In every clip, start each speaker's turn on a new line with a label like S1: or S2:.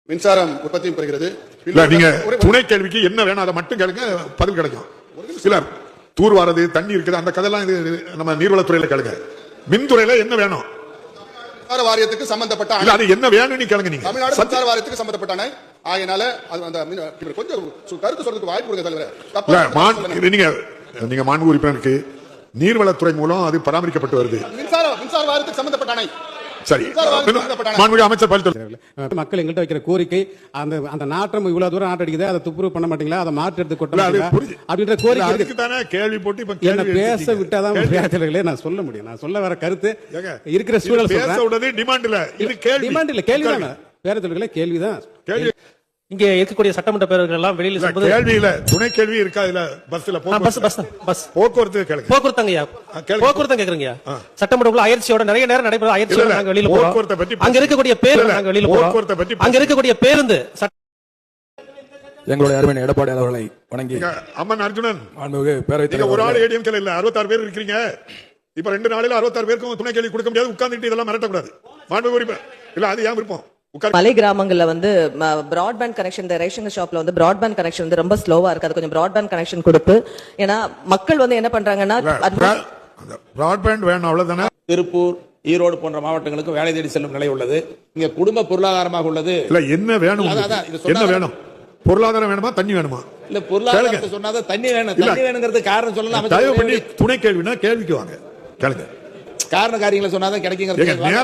S1: மின்சாரம் உற்பத்தியும் பெறுகிறது.
S2: நீங்க துணை கேள்விக்கு என்ன வேணும் அதை மட்டும் கேளுங்க, பதில் கிடைக்கும். சிலர் தூர்வாரது தண்ணி இருக்குது அந்த கதையெல்லாம் நம்ம நீர்வளத்துறையில கேளுங்க. மின்துறையில என்ன வேணும்?
S1: மின்சார வாரியத்துக்கு சம்பந்தப்பட்ட
S2: அது என்ன வேணும்னு கேளுங்க. நீங்க
S1: தமிழ்நாடு மின்சார வாரியத்துக்கு சம்பந்தப்பட்ட ஆகையினால அந்த கொஞ்சம் கருத்து சொல்றதுக்கு வாய்ப்பு கொடுங்க தலைவர்.
S2: நீங்க மாண்பு உறுப்பினருக்கு நீர்வளத்துறை மூலம் அது பராமரிக்கப்பட்டு வருது.
S1: மின்சார வாரியத்துக்கு சம்பந்தப்பட்ட அணை
S2: சரி, அமைச்சர்
S3: மக்கள் எங்கள்கிட்ட வைக்கிற கோரிக்கை அந்த நாற்றம் இவ்வளவு தூரம் நாட்டு அடிக்குது, அதை துப்புரவு பண்ண மாட்டீங்களா, அதை மாற்றி எடுத்து கொட்ட அப்படின்ற கோரிக்கை
S2: கேள்வி போட்டு
S3: என்ன பேச விட்டாதான் நான் சொல்ல முடியும். நான் சொல்ல வர கருத்து இருக்கிற சூழல்
S2: டிமாண்ட் இல்ல, இது
S3: டிமாண்ட் இல்ல, கேள்விதான். பேரத்தொழில்களே கேள்விதான்.
S4: இங்க இருக்கக்கூடிய சட்டமன்ற பேரவைகள் எல்லாம் வெளியில
S2: கேள்வி இல்ல, துணை கேள்வி இருக்கா? இல்ல பஸ்ல போக்குவரத்து
S4: போக்குவரத்து கேக்குறீங்க. சட்டமன்ற அயற்சியோட நிறைய நேரம் நடைபெற அயற்சியோட நாங்க வெளியில போறோம். அங்க இருக்கக்கூடிய பேருந்து நாங்க வெளியில போறோம். அங்க இருக்கக்கூடிய பேருந்து
S5: எங்களுடைய அருமை எடப்பாடி அவர்களை வணங்கி
S2: அம்மன் அர்ஜுனன்
S5: பேரவைத்
S2: ஒரு ஆள் ஏடிஎம் இல்ல 66 பேர் இருக்கீங்க. இப்ப 2 நாளில 66 பேருக்கும் துணை கேள்வி கொடுக்க முடியாது. உட்கார்ந்துட்டு இதெல்லாம் மிரட்டக்கூடாது. மாண்பு உறுப்பினர் இல்ல, அது ஏன் விருப்பம்?
S6: மலை கிராமங்கள்ல வந்து பிராட்பேண்ட் கனெக்ஷன், இந்த ரேஷன் ஷாப்ல வந்து பிராட்பேண்ட் கனெக்ஷன் வந்து ரொம்ப ஸ்லோவா இருக்கு. அது கொஞ்சம் பிராட்பேண்ட் கனெக்ஷன் கொடுத்து, ஏன்னா மக்கள் வந்து என்ன பண்றாங்கன்னா
S2: பிராட்பேண்ட் வேணும் அவ்வளவுதானே.
S7: திருப்பூர், ஈரோடு போன்ற மாவட்டங்களுக்கு வேலை தேடி செல்லும் நிலை உள்ளது. இங்க குடும்ப பொருளாதாரமாக உள்ளது.
S2: இல்ல என்ன வேணும்? என்ன வேணும்? பொருளாதாரம் வேணுமா, தண்ணி வேணுமா?
S7: இல்ல பொருளாதாரத்தை சொன்னாதான் தண்ணி வேணும். தண்ணி வேணுங்கிறது காரணம் சொல்லலாம்.
S2: தயவு பண்ணி துணை கேள்வினா கேள்விக்கு வாங்க, கேளுங்க.
S7: காரண காரியங்களை சொன்னாதான் கிடைக்குங்க.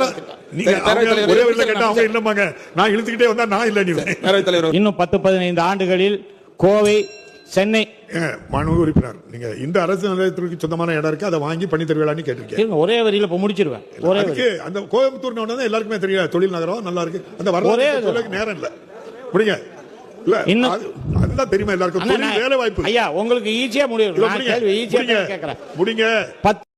S8: இன்னும் 10-15 ஆண்டுகளில் கோவை, சென்னை
S2: மாண்பு உறுப்பினர், நீங்க இந்த அரசு நிலையத்திற்கு சொந்தமான இடம் இருக்கு, அதை வாங்கி பண்ணி தருவீங்களான்னு கேட்டிருக்கேன்.
S8: ஒரே வரியில முடிச்சிருவேன்.
S2: அந்த கோயம்புத்தூர் எல்லாருக்குமே தெரியும், தொழில் நகரம் நல்லா இருக்கு. அந்த வரலாறு நேரம் இல்ல, முடிங்க. அதுதான் தெரியுமா எல்லாருக்கும், வேலை வாய்ப்பு.
S8: ஐயா உங்களுக்கு ஈஸியா முடியும்.
S2: முடிங்க.